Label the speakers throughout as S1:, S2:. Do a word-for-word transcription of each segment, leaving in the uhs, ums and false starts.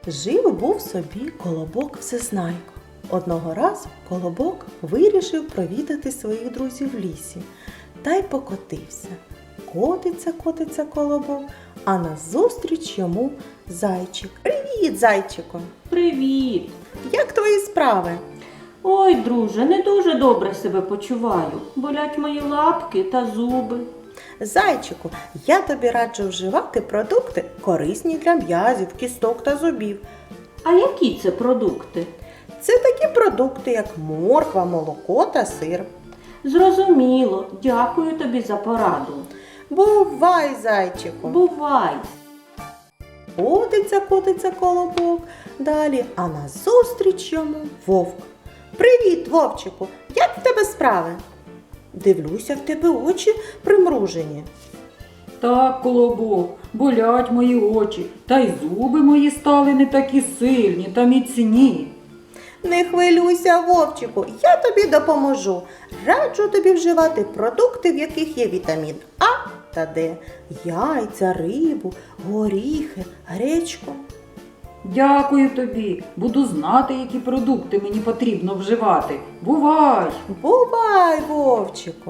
S1: Жив був собі колобок Всезнайко. Одного разу колобок вирішив провідати своїх друзів в лісі та й покотився. Котиться, котиться колобок, а назустріч йому зайчик. Привіт, зайчику!
S2: Привіт!
S1: Як твої справи?
S2: Ой, друже, не дуже добре себе почуваю. Болять мої лапки та зуби.
S1: Зайчику, я тобі раджу вживати продукти, корисні для м'язів, кісток та зубів.
S2: А які це продукти?
S1: Це такі продукти, як морква, молоко та сир.
S2: Зрозуміло. Дякую тобі за пораду.
S1: Бувай, зайчику!
S2: Бувай!
S1: Котиться, котиться колобок далі, а назустріч йому вовк. Привіт, вовчику! Як в тебе справи? Дивлюся, в тебе очі примружені.
S3: Так, колобок, болять мої очі, та й зуби мої стали не такі сильні та міцні.
S1: Не хвилюйся, вовчику, я тобі допоможу. Раджу тобі вживати продукти, в яких є вітамін А та Д, яйця, рибу, горіхи, гречку.
S3: Дякую тобі, буду знати, які продукти мені потрібно вживати. Бувай!
S1: Бувай, вовчику!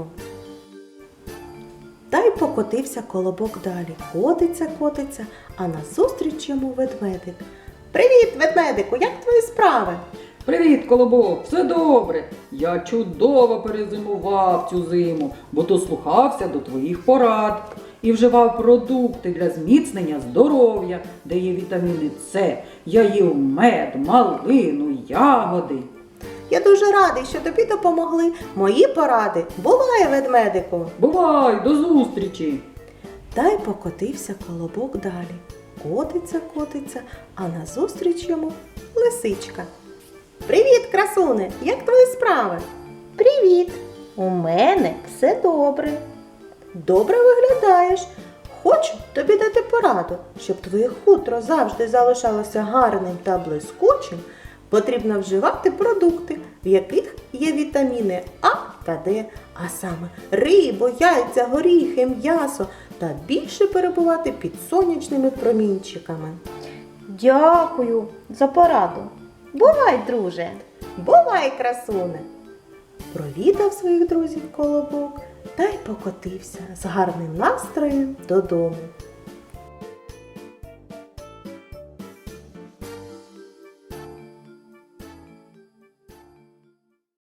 S1: Та й покотився колобок далі. Котиться, котиться, а назустріч йому ведмедик. Привіт, ведмедику, як твої справи?
S3: Привіт, колобок, все добре. Я чудово перезимував цю зиму, бо дослухався до твоїх порад і вживав продукти для зміцнення здоров'я, де є вітаміни С. Я їв мед, малину, ягоди.
S1: Я дуже радий, що тобі допомогли мої поради. Бувай, ведмедику!
S3: Бувай, до зустрічі!
S1: Та й покотився колобок далі. Котиться, котиться, а назустріч йому лисичка. Привіт, красуне! Як твої справи? Привіт! У мене все добре. Добре виглядаєш. Хочу тобі дати пораду, щоб твоє хутро завжди залишалося гарним та блискучим. Потрібно вживати продукти, в яких є вітаміни А та Д, а саме рибу, яйця, горіхи, м'ясо та більше перебувати під сонячними промінчиками.
S4: Дякую за пораду. Бувай, друже.
S1: Бувай, красуне! Провідав своїх друзів колобок та й покотився з гарним настроєм додому.